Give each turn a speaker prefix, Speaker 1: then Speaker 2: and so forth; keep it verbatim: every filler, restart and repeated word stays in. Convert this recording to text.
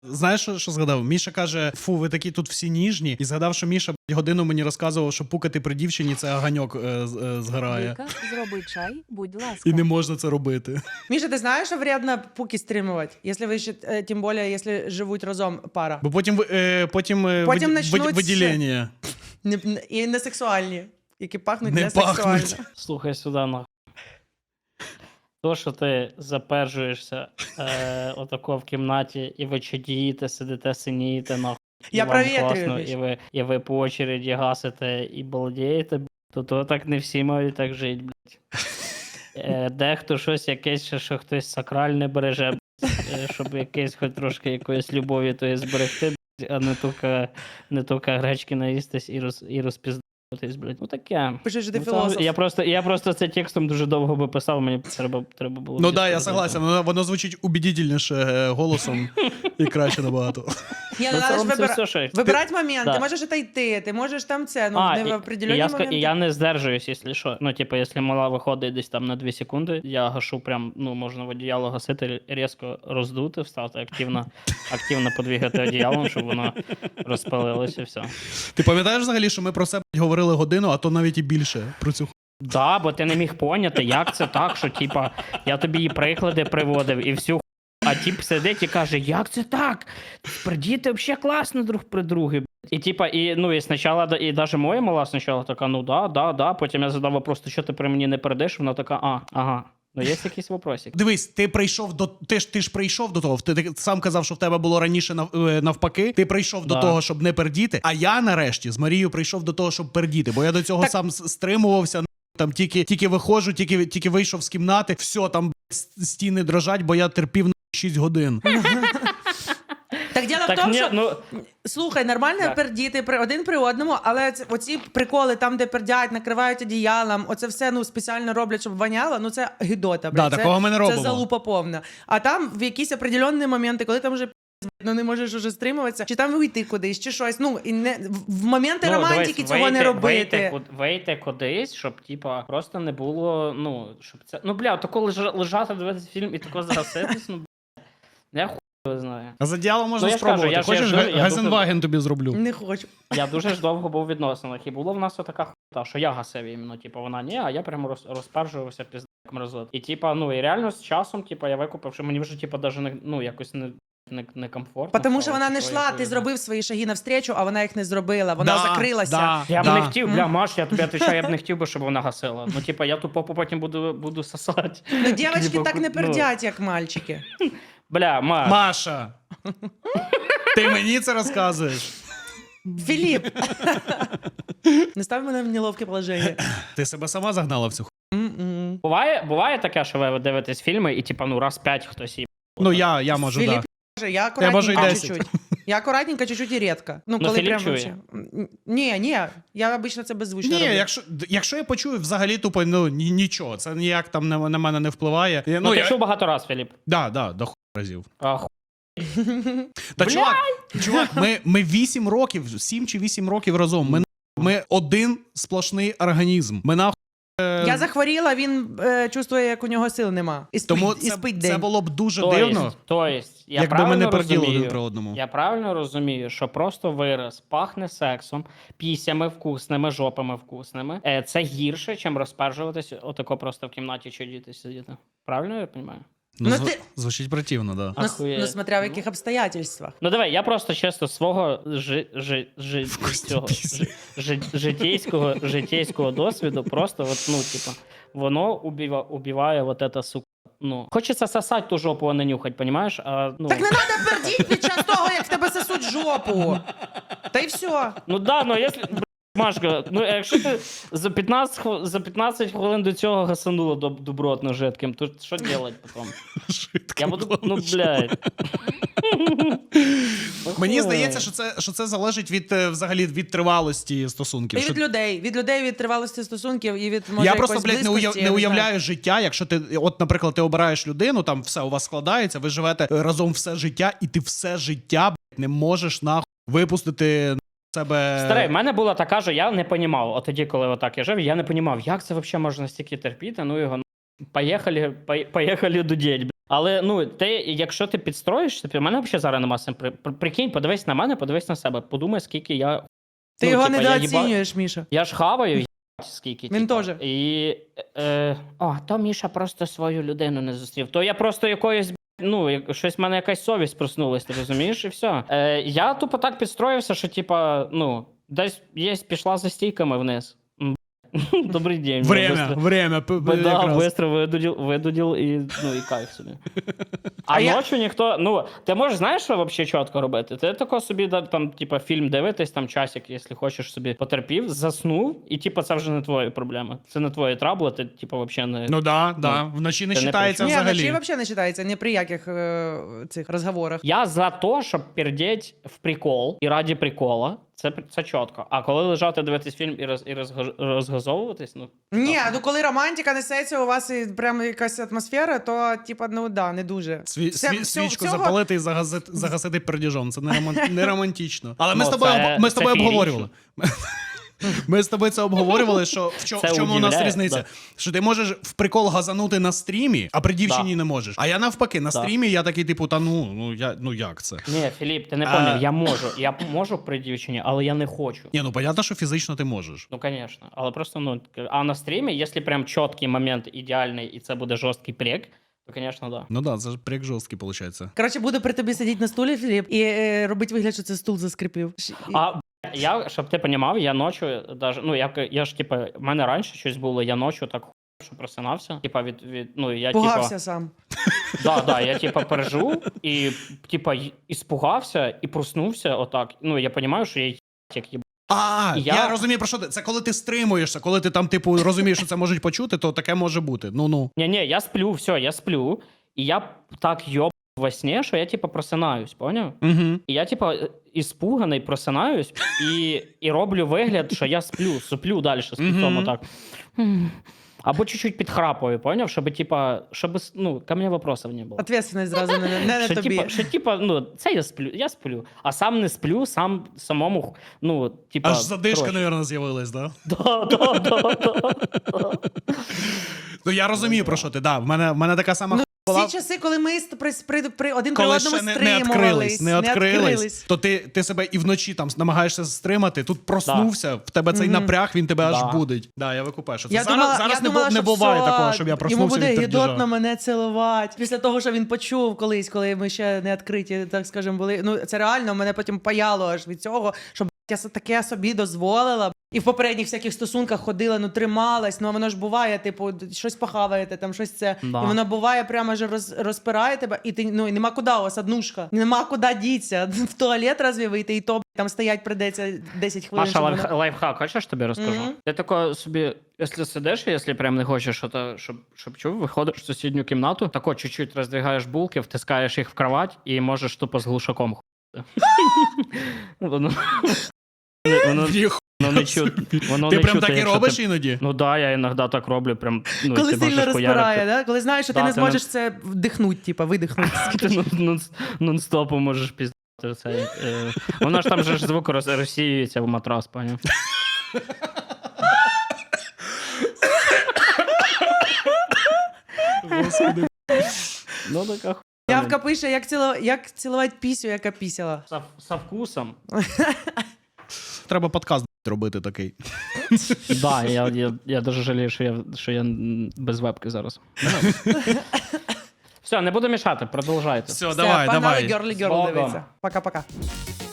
Speaker 1: Знаєш, що, що згадав? Міша каже, фу, ви такі тут всі ніжні. І згадав, що Міша блядь, годину мені розказував, що пукати при дівчині – це оганьок е, е, згорає.
Speaker 2: Вика, зроби чай, будь ласка.
Speaker 1: І не можна це робити.
Speaker 3: Міша, ти знаєш, що вредно пуки стримувати? Якщо ви ще, е, тим більше, якщо живуть разом пара.
Speaker 1: Бо потім, ви- е, потім, е,
Speaker 3: Потім
Speaker 1: виді-
Speaker 3: начнуть
Speaker 1: виді- виділення.
Speaker 3: Не, не- і не сексуальні, які пахнуть
Speaker 1: Не
Speaker 3: не, сексуально.
Speaker 1: пахнуть.
Speaker 4: Слухай сюди, нахуй. То, що ти заперджуєшся е, отако в кімнаті, і ви чадієте, сидите, синієте, нахуй. і
Speaker 3: Я
Speaker 4: вам
Speaker 3: провітрюю,
Speaker 4: класно,
Speaker 3: Міш.
Speaker 4: і ви, і ви по очереді гасите і балдієте, б**, то, то так не всі мають так жити, блядь. Е, дехто щось якесь, ще, що хтось сакральне береже, блядь, е, щоб якесь хоч трошки якоїсь любові тої зберегти, блядь, а не тільки, не тільки гречки наїстись і, роз, і розпіздатись, блядь. Ну таке.
Speaker 3: Пишеш, що ти
Speaker 4: Ну, там
Speaker 3: філософ.
Speaker 4: Я просто, я просто це текстом дуже довго би писав, мені треба, треба було...
Speaker 1: Ну так,
Speaker 4: більше
Speaker 1: да, я
Speaker 4: робити.
Speaker 1: согласен. Воно, воно звучить убедительніше е, голосом і краще набагато.
Speaker 3: Ні,
Speaker 4: Ну,
Speaker 3: ну,
Speaker 4: це,
Speaker 3: треба ж
Speaker 4: це
Speaker 3: вибира...
Speaker 4: все, що...
Speaker 3: вибирати момент.
Speaker 4: Да.
Speaker 3: Ти можеш це йти, ти можеш там це, ну,
Speaker 4: А,
Speaker 3: не в
Speaker 4: і, і,
Speaker 3: определенні
Speaker 4: я, ска-
Speaker 3: моменти.
Speaker 4: і я не здержуюсь, якщо що. Ну, типу, якщо мала виходить десь там на дві секунди, я гашу прям, ну, можна в одіяло гасити, різко роздути, встати, активно, активно подвігати одіялом, щоб воно розпалилося, все.
Speaker 1: Ти пам'ятаєш взагалі, що ми про це блядь, говорили годину, а то навіть і більше про цю ху-
Speaker 4: Да, бо ти не міг поняти, як це так, що, типа, я тобі і приклади приводив, і всю ху... А тип сидить і каже, як це так? Діти взагалі класно друг при друге. І типа, і, ну, і спочатку, і навіть моя мала спочатку така, ну да, да, да, потім я задав вопрос, що ти при мені не передиш, вона така, а, ага. Ну, є якийсь вопросик.
Speaker 1: Дивись, ти прийшов до ти ж ти ж прийшов до того. Ти, ти сам казав, що в тебе було раніше нав, е, навпаки. Ти прийшов до
Speaker 4: Да.
Speaker 1: того, щоб не пердіти. А я нарешті з Марією прийшов до того, щоб пердіти. Бо я до цього
Speaker 3: Так-
Speaker 1: сам с- стримувався. Там тільки тільки виходжу, тільки тільки вийшов з кімнати. Все, там блядь, с- стіни дрожать, бо я терпів на шість годин.
Speaker 3: Так діло в
Speaker 4: Так,
Speaker 3: тому,
Speaker 4: ні,
Speaker 3: що,
Speaker 4: ну,
Speaker 3: слухай, нормально
Speaker 4: Так.
Speaker 3: пердіти при, один при одному, але це, оці приколи там, де пердять, накривають одіялом, оце все, ну, спеціально роблять, щоб воняло, ну, це гидота, блядь.
Speaker 1: Да,
Speaker 3: це,
Speaker 1: такого ми не робимо.
Speaker 3: Це залупа повна. А там в якісь определенні моменти, коли там вже ну не можеш уже стримуватися, чи там вийти кудись, чи щось. Ну, і не, в- в моменти
Speaker 4: ну,
Speaker 3: романтики
Speaker 4: дивись,
Speaker 3: цього
Speaker 4: вийти-
Speaker 3: не робити.
Speaker 4: Вийти, куд- вийти кудись, щоб, типа, просто не було, ну, щоб це... Ну, бля, тако лежа- лежати, дивитися фільм і тако загаситись, ну, бля, я хуй його знаю.
Speaker 1: А за діяло можна
Speaker 4: Ну, я ж кажу,
Speaker 1: спробувати.
Speaker 4: я ж- я
Speaker 1: Хочеш,
Speaker 4: ж-
Speaker 1: Га-
Speaker 4: я
Speaker 1: Газенваген тобі зроблю.
Speaker 3: Не хочу.
Speaker 4: Я дуже ж довго був у відносинах, і було в нас така хуйта, що я гасив іменно, типу, вона ні, а я прямо роз, розпержувався пізда як мразот. І типа, ну і реально з часом, типа, я викупив, що мені вже типа даже не, ну, якось не, не, не комфортно.
Speaker 3: Тому що
Speaker 4: стало,
Speaker 3: вона не
Speaker 4: типу,
Speaker 3: йшла, ти
Speaker 4: якось-
Speaker 3: зробив свої шаги навстрічу, а вона їх не зробила. Вона
Speaker 1: Да,
Speaker 3: закрилася.
Speaker 1: да,
Speaker 4: Я б
Speaker 1: да.
Speaker 4: не хотів, бля, Маш, я тобі відповідаю, я б не хотів би, щоб вона гасила. Ну, типа, я ту попу потім буду, буду сосати.
Speaker 3: Ну, дівчатки
Speaker 4: Типа,
Speaker 3: так не
Speaker 4: ну,
Speaker 3: пердять, як мальчики.
Speaker 4: Бля, Маш.
Speaker 1: Маша! Ти мені це розказуєш?
Speaker 3: Філіп! Не став мене в неловке положення.
Speaker 1: Ти себе сама загнала в цю ху...
Speaker 3: М-м.
Speaker 4: Буває, буває таке, що ви дивитесь фільми, і типа, ну, раз п'ять хтось їб.
Speaker 1: Ну, я, я можу,
Speaker 3: Філіп
Speaker 1: так.
Speaker 3: каже, я
Speaker 1: Я можу і
Speaker 3: акуратненько
Speaker 1: десять.
Speaker 3: чуть-чуть. Я акуратненько чуть-чуть і рідко. Ну,
Speaker 4: Ну,
Speaker 3: коли
Speaker 4: Філіп
Speaker 3: прям
Speaker 4: чує.
Speaker 3: вообще. М, Ні, ні, я обично це беззвучно
Speaker 1: Ні,
Speaker 3: роблю.
Speaker 1: якщо, якщо я почую взагалі тупо, ну, ні- нічого, це ніяк там на, на мене не впливає. Я,
Speaker 4: Ну,
Speaker 1: ну,
Speaker 4: ти
Speaker 1: я,
Speaker 4: чув багато раз, Філіп.
Speaker 1: да, да, до ху разів.
Speaker 4: А, ху...
Speaker 1: Та
Speaker 4: Бля!
Speaker 1: чувак, чувак, ми, ми вісім років, сім чи вісім років разом. Ми, ми один сплошний організм. Ми нахуй.
Speaker 3: Я захворіла, він е, чувствує, як у нього сил нема. І спить,
Speaker 1: Тому
Speaker 3: і
Speaker 1: це,
Speaker 3: спить
Speaker 1: це
Speaker 3: день.
Speaker 1: було б дуже
Speaker 4: То
Speaker 1: дивно,
Speaker 4: єсть, то єсть, я
Speaker 1: якби ми не
Speaker 4: правильно
Speaker 1: перділи
Speaker 4: розумію,
Speaker 1: один при одному.
Speaker 4: Я правильно розумію, що просто вираз пахне сексом, пісями вкусними, жопами вкусними. Е, це гірше, чим розпержуватись отако просто в кімнаті чудіти сидіти. Правильно я розумію?
Speaker 1: Ну,
Speaker 3: Ну,
Speaker 1: зв...
Speaker 3: ти-
Speaker 1: Звучить противно, да.
Speaker 3: Ну, с-
Speaker 4: Ахуєть.
Speaker 3: ну, смотря в яких обстоятельствах.
Speaker 4: Ну давай, я просто чисто свого жи, жи, жи,
Speaker 1: Вкусні
Speaker 4: цього,
Speaker 1: пісні.
Speaker 4: жи, жи, житейського, житейського досвіду, просто от, ну, типа, воно убива, убиває вот это, сука. Ну, хочеться сосать ту жопу, а не нюхать, понімаєш? А, ну,
Speaker 3: Так не треба пердіть під час того, як в тебе сосуть жопу. Та й все.
Speaker 4: Ну да, ну якщо. Б**, Машка, ну якщо ти за п'ятнадцять, хв- за п'ятнадцять хвилин до цього гасанула доб- добротно жидким, то що робити потім? Я буду, ну, блядь.
Speaker 1: Мені здається, що це, що це залежить від е, взагалі від тривалості стосунків.
Speaker 3: І
Speaker 1: Що-
Speaker 3: від людей. Від людей, від тривалості стосунків і від, може,
Speaker 1: Я просто,
Speaker 3: якоїсь
Speaker 1: блядь, не, уяв,
Speaker 3: близькості,
Speaker 1: не
Speaker 3: я знаю.
Speaker 1: уявляю життя, якщо ти, от, наприклад, ти обираєш людину, там все у вас складається, ви живете разом все життя, і ти все життя, блядь, не можеш нахуй випустити себе.
Speaker 4: Старий, в мене була така, що я не понімав. От тоді, коли отак я жив, я не понімав, як це взагалі можна стільки терпіти, ну його. Поїхали, по- поїхали дудеть, блядь. Але ну ти, якщо ти підстроїшся, в мене взагалі зараз нема сим. При, при- прикинь, подивись на мене, подивись на себе. Подумай, скільки я.
Speaker 3: Ти
Speaker 4: ну,
Speaker 3: його
Speaker 4: типа, я їба-
Speaker 3: недооцінюєш, Міша.
Speaker 4: Я ж хаваю, їбать, скільки.
Speaker 3: Він
Speaker 4: типа.
Speaker 3: теж.
Speaker 4: І. Е, о, то Міша просто свою людину не зустрів. То я просто якоюсь. Ну, як- щось в мене якась совість проснулась, ти розумієш, і все. Е, я тупо так підстроївся, що, типа, ну, десь є, пішла за стійками вниз. М, Добрий день.
Speaker 1: Время,
Speaker 4: быстро-
Speaker 1: время. п- п-
Speaker 4: Да,
Speaker 1: якраз.
Speaker 4: быстро видудил, видудил і, ну, і кайф собі. А,
Speaker 3: А я-
Speaker 4: ночі ніхто, ну, ти можеш, знаєш, що взагалі чітко робити? Ти тако собі, да, там, типа, фільм дивитись, там, часик, якщо хочеш собі потерпів, заснув, і, типа, це вже не твої проблеми. Це не твої трабли, ти, типа, взагалі не...
Speaker 1: Ну да, да. Вночі не
Speaker 4: Це не
Speaker 1: вважається
Speaker 3: Ні,
Speaker 1: взагалі.
Speaker 3: вночі взагалі не читається, ні при яких е, цих розговорах.
Speaker 4: Я за те, щоб пердеть в прикол і раді прикола, це, це чітко. А коли лежати, дивитись фільм і, роз, і розгаж- розгазовуватись, ну...
Speaker 3: Ні, ну коли романтика несеться, у вас і прям якась атмосфера, то, типа, ну да, не дуже.
Speaker 1: Сві,
Speaker 3: Це-
Speaker 1: сві,
Speaker 3: всього-
Speaker 1: свічку
Speaker 3: всього-
Speaker 1: запалити і загасити, загасити пердіжом. Це не, роман, не романтично. Але ми
Speaker 4: Ну,
Speaker 1: з тобою,
Speaker 4: це-
Speaker 1: об- ми з
Speaker 4: це
Speaker 1: тобою
Speaker 4: феєрично.
Speaker 1: обговорювали. Ми з тобою це обговорювали, що в, чо,
Speaker 4: Це
Speaker 1: в чому у нас
Speaker 4: удивляє,
Speaker 1: різниця.
Speaker 4: да.
Speaker 1: Що ти можеш в прикол газанути на стрімі, а при дівчині
Speaker 4: Да.
Speaker 1: не можеш. А я навпаки, на
Speaker 4: Да.
Speaker 1: стрімі я такий, типу, та ну, ну, я, ну як це?
Speaker 4: Ні, Філіп, ти не
Speaker 1: А-
Speaker 4: поняв, я можу. Я можу при дівчині, але я не хочу.
Speaker 1: Ні, ну понятно, що фізично ти можеш.
Speaker 4: Ну, звісно. Але просто, ну, а на стрімі, якщо прям чіткий момент ідеальний, і це буде жорсткий прек, то, звісно, да.
Speaker 1: Ну так, да, це ж прик жорсткий, виходить.
Speaker 3: Коротше, буду при тобі сидіти на стулі, Філіп, і е, робити вигляд, що це стул заскрипів. Ш- і-
Speaker 4: А б**, я, щоб ти розумів, я ночі, даже, ну, я, я ж, типа, в мене раніше щось було, я ночі так ху- що просинався. Типа, від, від, ну, я,
Speaker 3: Пугався
Speaker 4: типа,
Speaker 3: сам.
Speaker 4: да, да, я, типа, пережив, і, типа, й- іспугався, і проснувся отак. Ну, я розумію, що я й- як їб...
Speaker 1: А, я...
Speaker 4: Я-
Speaker 1: розумію, про що ти. Це коли ти стримуєшся, коли ти там, типу, розумієш, що це можуть почути, то таке може бути. Ну-ну.
Speaker 4: Ні-ні, я сплю, все, я сплю, і я так йоб во сні, що я, типа, просинаюсь, поняв?
Speaker 1: Угу.
Speaker 4: І я, типа, іспуганий, просинаюсь і, і роблю вигляд, що я сплю, суплю далі з
Speaker 1: Мгм.
Speaker 4: піцом отак. Або чуть-чуть підхрапую, поняв? Щоб, типа, щоб, ну, ко мне вопросов не було.
Speaker 3: Ответственность зразу не, не на
Speaker 4: Що,
Speaker 3: тобі.
Speaker 4: типа, що, типа, ну, це я сплю, я сплю, а сам не сплю, сам самому, ну, типа...
Speaker 1: Аж задишка,
Speaker 4: коротше.
Speaker 1: мабуть, з'явилась, да?
Speaker 4: Да, да, да, да.
Speaker 1: Ну я розумію, про що ти. Да, в мене, в мене така сама
Speaker 3: Ну,
Speaker 1: хуйня була.
Speaker 3: Всі часи, коли ми ст- при, при, при один при
Speaker 1: Коли
Speaker 3: одному
Speaker 1: ще не, не
Speaker 3: стримувались,
Speaker 1: відкрились, не відкрились, то ти, ти себе і вночі там намагаєшся стримати, тут проснувся, в тебе цей
Speaker 3: Мгм.
Speaker 1: напряг, він тебе
Speaker 4: Да.
Speaker 1: аж будить. Да, я викупаю, що це
Speaker 3: Я
Speaker 1: зараз,
Speaker 3: думала,
Speaker 1: зараз
Speaker 3: я
Speaker 1: не,
Speaker 3: думала,
Speaker 1: бу- не
Speaker 3: що
Speaker 1: буває
Speaker 3: все,
Speaker 1: такого, щоб я
Speaker 3: йому
Speaker 1: проснувся
Speaker 3: буде
Speaker 1: від пердіжа.
Speaker 3: гідотно мене цілувати. Після того, що він почув колись, коли ми ще не відкриті, так скажемо, були. Ну, це реально, мене потім паяло аж від цього, що б**, я с- таке собі дозволила. б**. І в попередніх всяких стосунках ходила, ну трималась, ну а воно ж буває, типу, щось похаваєте, там щось це.
Speaker 4: Да.
Speaker 3: І воно буває, прямо ж роз, розпирає тебе, і ти ну і нема куди, у вас однушка. Нема куди діться. В туалет разве вийти, і то б**, там стоять придеться десять хвилин.
Speaker 4: Маша,
Speaker 3: щоб
Speaker 4: лайф,
Speaker 3: воно-
Speaker 4: лайфхак, хочеш тобі розкажу?
Speaker 3: Мгм.
Speaker 4: Ти тако собі, якщо сидиш, якщо прям не хочеш, що то, щоб, щоб чув, виходиш в сусідню кімнату, тако чуть-чуть роздвигаєш булки, втискаєш їх в кровать і можеш тупо з глушаком хуяти. Воно воно-
Speaker 1: Ніхуя
Speaker 4: воно не
Speaker 1: собі.
Speaker 4: чути. Воно
Speaker 1: Ти
Speaker 4: не
Speaker 1: прям
Speaker 4: чути,
Speaker 1: так і
Speaker 4: якщо
Speaker 1: робиш
Speaker 4: ти-
Speaker 1: іноді?
Speaker 4: Ну да, я іноді так роблю, прям, ну,
Speaker 3: Коли
Speaker 4: ти
Speaker 3: сильно
Speaker 4: можеш
Speaker 3: розпирає,
Speaker 4: хуярити.
Speaker 3: да? Коли знаєш, що ти
Speaker 4: Да,
Speaker 3: не
Speaker 4: ти не-
Speaker 3: зможеш це вдихнути, типа, видихнути.
Speaker 4: Ти нон- нон- нон-стопом можеш піздати це. е, Воно ж там же ж звук роз- розсіюється в матрас, поняв?
Speaker 1: Господи.
Speaker 4: Ну така хуйня.
Speaker 3: Явка пише, як, ціло... як цілувати пісю, яка пісяла.
Speaker 4: Со, со вкусом.
Speaker 1: Треба подкаст робити такий.
Speaker 4: Да, я, я, я дуже жалію, що я, що я м, без вебки зараз. Все, не буду мішати, продовжайте.
Speaker 1: Все,
Speaker 3: Все,
Speaker 1: давай,
Speaker 3: погнали
Speaker 1: давай.
Speaker 3: Girly
Speaker 4: З
Speaker 3: Girl
Speaker 4: Богом.
Speaker 3: дивитися. Пока-пока.